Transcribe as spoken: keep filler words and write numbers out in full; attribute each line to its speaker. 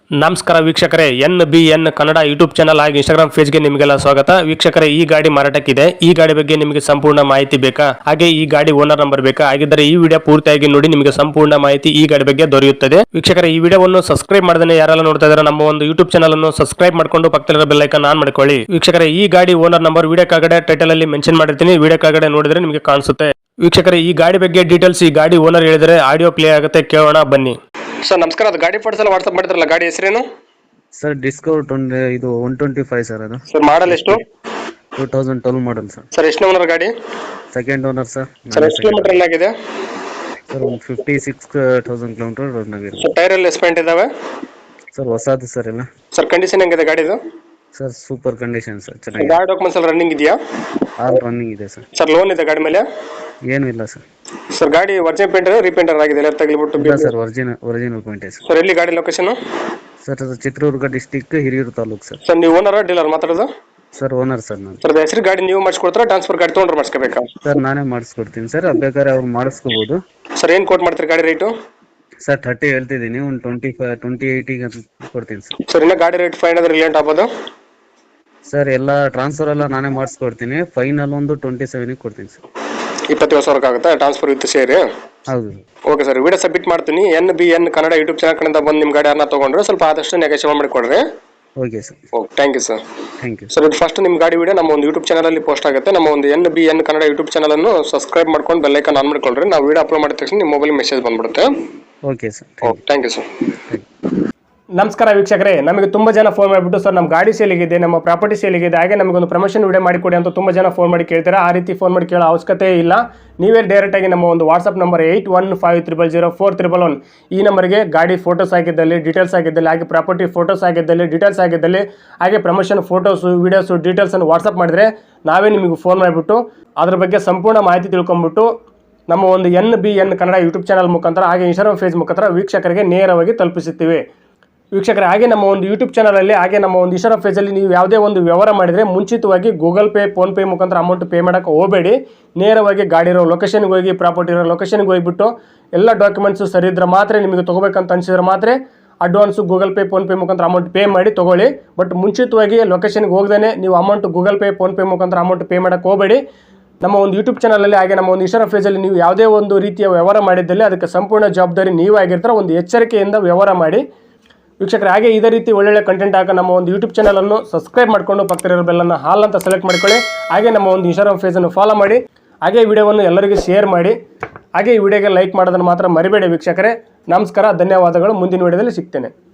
Speaker 1: ನಮಸ್ಕಾರ ವೀಕ್ಷಕರೇ, N B N Kannada YouTube channel ಹಾಗೂ ಇನ್ಸ್ಟಾಗ್ರಾಮ್ ಪೇಜ್ಗೆ ನಿಮಗೆಲ್ಲ ಸ್ವಾಗತ. ವೀಕ್ಷಕರೇ, ಈ ಗಾಡಿ ಮಾರಾಟಕ್ಕಿದೆ. ಈ ಗಾಡಿ ಬಗ್ಗೆ ನಿಮಗೆ ಸಂಪೂರ್ಣ ಮಾಹಿತಿ ಬೇಕಾ, ಹಾಗೆ ಈ ಗಾಡಿ ಓನರ್ ನಂಬರ್ ಬೇಕಾ? ಹಾಗಿದ್ದರೆ ಈ ವಿಡಿಯೋ ಪೂರ್ತಿಯಾಗಿ ನೋಡಿ, ನಿಮಗೆ ಸಂಪೂರ್ಣ ಮಾಹಿತಿ ಈ ಗಾಡಿ ಬಗ್ಗೆ ದೊರೆಯುತ್ತದೆ. ವೀಕ್ಷಕರೇ, ಈ ವಿಡಿಯೋವನ್ನು ಸಬ್ಸ್ಕ್ರೈಬ್ ಮಾಡದೇ ಯಾರೆಲ್ಲ ನೋಡ್ತಾ ಇದ್ದಾರೆ ನಮ್ಮ ಒಂದು ಯೂಟ್ಯೂಬ್ ಚಾನಲ್ ಅನ್ನು ಸಬ್ಸ್ಕ್ರೈಬ್ ಮಾಡ್ಕೊಂಡು ಪಕ್ಕದಲ್ಲಿರೋ ಬೆಲ್ ಐಕಾನ್ ಆನ್ ಮಾಡ್ಕೊಳ್ಳಿ. ವೀಕ್ಷಕರೇ, ಈ ಗಾಡಿ ಓನರ್ ನಂಬರ್ ವಿಡಿಯೋ ಕೆಳಗಡೆ ಟೈಟಲ್ ಅಲ್ಲಿ ಮೆನ್ಷನ್ ಮಾಡಿರ್ತೀನಿ, ವಿಡಿಯೋ ಕೆಳಗಡೆ ನೋಡಿದ್ರೆ ನಿಮಗೆ ಕಾಣಿಸುತ್ತೆ. ವೀಕ್ಷಕರೇ, ಈ ಗಾಡಿ ಬಗ್ಗೆ ಡೀಟೇಲ್ಸ್ ಈ ಗಾಡಿ ಓನರ್ ಹೇಳಿದರೆ ಆಡಿಯೋ ಪ್ಲೇ ಆಗುತ್ತೆ, ಕೇಳೋಣ ಬನ್ನಿ. ಸರ್ ನಮಸ್ಕಾರ, ಅದು ಗಾಡಿ ಫೋಟೋಸ್ ಎಲ್ಲ ವಾಟ್ಸ್ಆಪ್ ಮಾಡಿದ್ರಲ್ಲ, ಗಾಡಿ ಹೆಸರೇನು?
Speaker 2: ಸರ್ ಡಿಸ್ಕವರ್ ಟ್ವೆಂಟಿ ಇದು ಒನ್ ಟ್ವೆಂಟಿ ಫೈವ್ ಸರ್. ಅದು
Speaker 1: ಸರ್ ಮಾಡಲ್ ಎಷ್ಟು?
Speaker 2: Two thousand twelve model sir.
Speaker 1: Sir ಎಷ್ಟು ಓನರ್ ಗಾಡಿ?
Speaker 2: Second owner sir.
Speaker 1: ಸರ್ ಎಷ್ಟು ಕಿಲೋಮೀಟರ್ ರನ್ ಆಗಿದೆ?
Speaker 2: ಸರ್ ಒಂದು fifty six thousand kilometre run ಆಗಿದೆ.
Speaker 1: ಸರ್ ಟೈರ್ ಎಲ್ಲ ಎಸ್ಪೆಂಟ್ ಇದಾವೆ?
Speaker 2: ಸರ್ ಹೊಸದು ಸರ್ ಎಲ್ಲ.
Speaker 1: ಸರ್ ಕಂಡೀಷನ್ ಹೆಂಗಿದೆ ಗಾಡಿದು?
Speaker 2: ಸರ್ ಸೂಪರ್ ಕಂಡೀಷನ್ ಸರ್, ಚೆನ್ನಾಗಿದೆ.
Speaker 1: ಗಾಡಿ ಡಾಕ್ಯುಮೆಂಟ್ಸ್ ಎಲ್ಲ ರನ್ನಿಂಗ್ ಇದೆಯಾ?
Speaker 2: ಆಲ್ ರನ್ನಿಂಗ್ ಇದೆ ಸರ್.
Speaker 1: ಸರ್ ಲೋನ್ ಇದೆ ಗಾಡಿ ಮೇಲೆ?
Speaker 2: ಏನೂ ಇಲ್ಲ ಸರ್.
Speaker 1: ಸರ್ ಗಾಡಿ ಒರಿಜಿನಲ್ ಪೇಂಟರ್ ರೀಪೇಂಟರ್ ಆಗಿದೆ ಎಲ್ಲ ತಗಲಿಬಿಟ್ಟು?
Speaker 2: ಇಲ್ಲ sir, original original point sir.
Speaker 1: Sir ಎಲ್ಲಿ ಗಾಡಿ ಲೊಕೇಶನ್?
Speaker 2: ಸರ್ ಅದು Chitradurga district, Hiriyur taluk sir.
Speaker 1: Sir ನೀವು ಓನರ್ ಡೀಲರ್ ಮಾತಾಡೋದು?
Speaker 2: ಸರ್ ಓನರ್ ಸರ್ ನಾನು.
Speaker 1: ಸರ್ ಹೆಸರು ಗಾಡಿ ನೀವು ಮಾಡಿಸ್ಕೊಡ್ತಾರಾ, ಟ್ರಾನ್ಸ್ಫರ್ ಗಾಡಿ ತೊಗೊಂಡ್ರೆ ಮಾಡಿಸ್ಕೋಬೇಕಾ?
Speaker 2: ಸರ್ ನಾನೇ ಮಾಡಿಸ್ಕೊಡ್ತೀನಿ ಸರ್, ಬೇಕಾದ್ರೆ ಅವ್ರು ಮಾಡಿಸ್ಕೋಬೋದು.
Speaker 1: ಸರ್ ಏನು ಕೋಟ್ ಮಾಡ್ತೀರಿ ಗಾಡಿ ರೇಟು?
Speaker 2: ಸರ್ ಥರ್ಟಿ ಹೇಳ್ತಿದ್ದೀನಿ, ಒಂದು ಟ್ವೆಂಟಿ ಫೈವ್ ಟ್ವೆಂಟಿ ಏಯ್ಟಿಗೆ ಕೊಡ್ತೀನಿ ಸರ್.
Speaker 1: ಸರ್ ಇನ್ನು ಗಾಡಿ ರೇಟ್ ಫೈವ್ ಹಂಡ್ರೆಡ್ ರಿಲೇಟ್ ಆಗ್ಬೋದು?
Speaker 2: ಸರ್ ಎಲ್ಲ ಟ್ರಾನ್ಸ್ಫರ್ ಎಲ್ಲ ನಾನೇ ಮಾಡಿಸ್ಕೊಡ್ತೀನಿ, ಫೈನಲ್ ಒಂದು ಟ್ವೆಂಟಿ ಸೆವೆನಿಗೆ ಕೊಡ್ತೀನಿ ಸರ್.
Speaker 1: ಇಪ್ಪತ್ತೇಳು ಸಾವಿರಕ್ಕೆ ಆಗುತ್ತಾ ಟ್ರಾನ್ಸ್ಫರ್ ವಿತ್ ಸೇರಿ?
Speaker 2: ಹೌದು.
Speaker 1: ಓಕೆ ಸರ್, ವಿಡಿಯೋ ಸಬ್ಮಿಟ್ ಮಾಡ್ತೀನಿ. N B N Kannada YouTube channel ಕಡೆಯಿಂದ ಬಂದು ನಿಮ್ಮ ಗಾಡಿ ಯಾರನ್ನ ತೊಗೊಂಡ್ರೆ ಸ್ವಲ್ಪ ಆದಷ್ಟು ನೆಗೋಷಿಯೇಟ್ ಮಾಡಿಕೊಡ್ರಿ.
Speaker 2: Okay sir.
Speaker 1: Okay, thank you sir.
Speaker 2: Thank you
Speaker 1: sir ಇದು ಫಸ್ಟ್ ನಿಮ್ಮ ಗಾಡಿ ವಿಡಿಯೋ ನಮ್ಮ ಒಂದು ಯೂಟ್ಯೂಬ್ ಚಾನಲಲ್ಲಿ ಪೋಸ್ಟ್ ಆಗುತ್ತೆ. ನಮ್ಮ ಒಂದು N B N Kannada YouTube ಚಾನಲನ್ನು ಸಬ್ಸ್ಕ್ರೈಬ್ ಮಾಡ್ಕೊಂಡು ಬೆಲ್ ಐಕಾನ್ ಆನ್ ಮಾಡ್ಕೊಳ್ರಿ. ನಾವು ವಿಡಿಯೋ ಅಪ್ಲೋಡ್ ಮಾಡಿದ ತಕ್ಷಣ ನಿಮ್ಮ ಮೊಬೈಲ್ ಮೆಸೇಜ್ ಬಂದ್ಬಿಡುತ್ತೆ.
Speaker 2: Okay sir.
Speaker 1: Okay, thank you sir. ನಮಸ್ಕಾರ ವೀಕ್ಷಕರೇ, ನಮಗೆ ತುಂಬ ಜನ ಫೋನ್ ಮಾಡಿಬಿಟ್ಟು ಸರ್ ನಮ್ಮ ಗಾಡಿ ಸೇಲಿಗಿದೆ, ನಮ್ಮ ಪ್ರಾಪರ್ಟಿ ಸೇಲಿಗಿದೆ, ಹಾಗೆ ನಮಗೊಂದು ಪ್ರಮೋಷನ್ ವಿಡಿಯೋ ಮಾಡಿಕೊಡಿ ಅಂತ ತುಂಬ ಜನ ಫೋನ್ ಮಾಡಿ ಕೇಳ್ತಾರೆ. ಆ ರೀತಿ ಫೋನ್ ಮಾಡಿ ಕೇಳೋ ಅವಶ್ಯಕತೆ ಇಲ್ಲ. ನೀವೇ ಡೈರೆಕ್ಟಾಗಿ ನಮ್ಮ ಒಂದು WhatsApp number eight one five triple zero four triple one ಈ ನಂಬರ್ಗೆ ಗಾಡಿ ಫೋಟೋಸ್ ಆಗಿದ್ದಲ್ಲಿ, ಡೀಟೇಲ್ಸ್ ಆಗಿದ್ದಲ್ಲಿ, ಹಾಗೆ ಪ್ರಾಪರ್ಟಿ ಫೋಟೋಸ್ ಆಗಿದ್ದಲ್ಲಿ, ಡೀಟೇಲ್ಸ್ ಆಗಿದ್ದಲ್ಲಿ, ಹಾಗೆ ಪ್ರಮೋಷನ್ ಫೋಟೋಸು ವೀಡಿಯೋಸು ಡೀಟೇಲ್ಸನ್ನು ವಾಟ್ಸಪ್ ಮಾಡಿದರೆ ನಾವೇ ನಿಮಗೆ ಫೋನ್ ಮಾಡಿಬಿಟ್ಟು ಅದ್ರ ಬಗ್ಗೆ ಸಂಪೂರ್ಣ ಮಾಹಿತಿ ತಿಳ್ಕೊಂಬಿಟ್ಟು ನಮ್ಮ ಒಂದು N B N Kannada YouTube channel ಮುಖಾಂತರ ಹಾಗೆ ಇನ್ಸ್ಟಾಗ್ರಾಮ್ ಫೇಸ್ ಮುಖಾಂತರ ವೀಕ್ಷಕರಿಗೆ ನೇರವಾಗಿ ತಲುಪಿಸುತ್ತೀವಿ. ವೀಕ್ಷಕರೇ, ಹಾಗೆ ನಮ್ಮ ಒಂದು ಯೂಟ್ಯೂಬ್ ಚಾನಲಲ್ಲಿ ಹಾಗೆ ನಮ್ಮ ಒಂದು ಇನ್ಸ್ಟಾಗ್ರಾಮ್ ಪೇಜಲ್ಲಿ ನೀವು ಯಾವುದೇ ಒಂದು ವ್ಯವಹಾರ ಮಾಡಿದರೆ ಮುಂಚಿತವಾಗಿ ಗೂಗಲ್ ಪೇ, ಫೋನ್ಪೇ ಮುಖಾಂತರ ಅಮೌಂಟ್ ಪೇ ಮಾಡೋಕ್ಕೆ ಹೋಗಬೇಡಿ. ನೇರವಾಗಿ ಗಾಡಿ ಇರೋ ಲೊಕೇಶನ್ಗೆ ಹೋಗಿ, ಪ್ರಾಪರ್ಟಿ ಇರೋ ಲೊಕೇಶನ್ಗೆ ಹೋಗಿಬಿಟ್ಟು ಎಲ್ಲ ಡಾಕ್ಯುಮೆಂಟ್ಸು ಸರಿ ಇದ್ರೆ ಮಾತ್ರ, ನಿಮಗೆ ತೊಗೋಬೇಕಂತ ಅನಿಸಿದ್ರೆ ಮಾತ್ರ ಅಡ್ವಾನ್ಸು ಗೂಗಲ್ ಪೇ, ಫೋನ್ಪೇ ಮುಖಾಂತರ ಅಮೌಂಟ್ ಪೇ ಮಾಡಿ ತೊಗೊಳ್ಳಿ. ಬಟ್ ಮುಂಚಿತವಾಗಿ ಲೊಕೇಶನ್ಗೆ ಹೋಗದೇ ನೀವು ಅಮೌಂಟ್ ಗೂಗಲ್ ಪೇ, ಫೋನ್ಪೇ ಮುಖಾಂತರ ಅಮೌಂಟ್ ಪೇ ಮಾಡೋಕ್ಕೆ ಹೋಗಬೇಡಿ. ನಮ್ಮ ಒಂದು ಯೂಟ್ಯೂಬ್ ಚಾನಲಲ್ಲಿ ಹಾಗೆ ನಮ್ಮ ಒಂದು ಇನ್ಸ್ಟಾಗ್ರಾಮ್ ಪೇಜಲ್ಲಿ ನೀವು ಯಾವುದೇ ಒಂದು ರೀತಿಯ ವ್ಯವಹಾರ ಮಾಡಿದ್ದಲ್ಲಿ ಅದಕ್ಕೆ ಸಂಪೂರ್ಣ ಜವಾಬ್ದಾರಿ ನೀವೇ ಆಗಿರ್ತಾರೆ. ಒಂದು ಎಚ್ಚರಿಕೆಯಿಂದ ವ್ಯವಹಾರ ಮಾಡಿ. ವೀಕ್ಷಕರೇ, ಹಾಗೆ ಇದೇ ರೀತಿ ಒಳ್ಳೊಳ್ಳೆ ಕಂಟೆಂಟ್ ಹಾಕಿ ನಮ್ಮ ಒಂದು ಯೂಟ್ಯೂಬ್ ಚಾನಲನ್ನು ಸಬ್ಸ್ಕ್ರೈಬ್ ಮಾಡಿಕೊಂಡು ಪಕ್ಕದಲ್ಲಿರೋ ಬೆಲ್ಲನ್ನು ಹಾಲ್ ಅಂತ ಸೆಲೆಕ್ಟ್ ಮಾಡ್ಕೊಳ್ಳಿ. ಹಾಗೆ ನಮ್ಮ ಒಂದು ಇನ್ಸ್ಟಾಗ್ರಾಮ್ ಪೇಜನ್ನು ಫಾಲೋ ಮಾಡಿ. ಹಾಗೆ ಈ ವಿಡಿಯೋವನ್ನು ಎಲ್ಲರಿಗೂ ಶೇರ್ ಮಾಡಿ. ಹಾಗೆ ಈ ವಿಡಿಯೋಗೆ ಲೈಕ್ ಮಾಡೋದನ್ನು ಮಾತ್ರ ಮರಿಬೇಡಿ ವೀಕ್ಷಕರೇ. ನಮಸ್ಕಾರ, ಧನ್ಯವಾದಗಳು. ಮುಂದಿನ ವಿಡಿಯೋದಲ್ಲಿ ಸಿಗ್ತೇನೆ.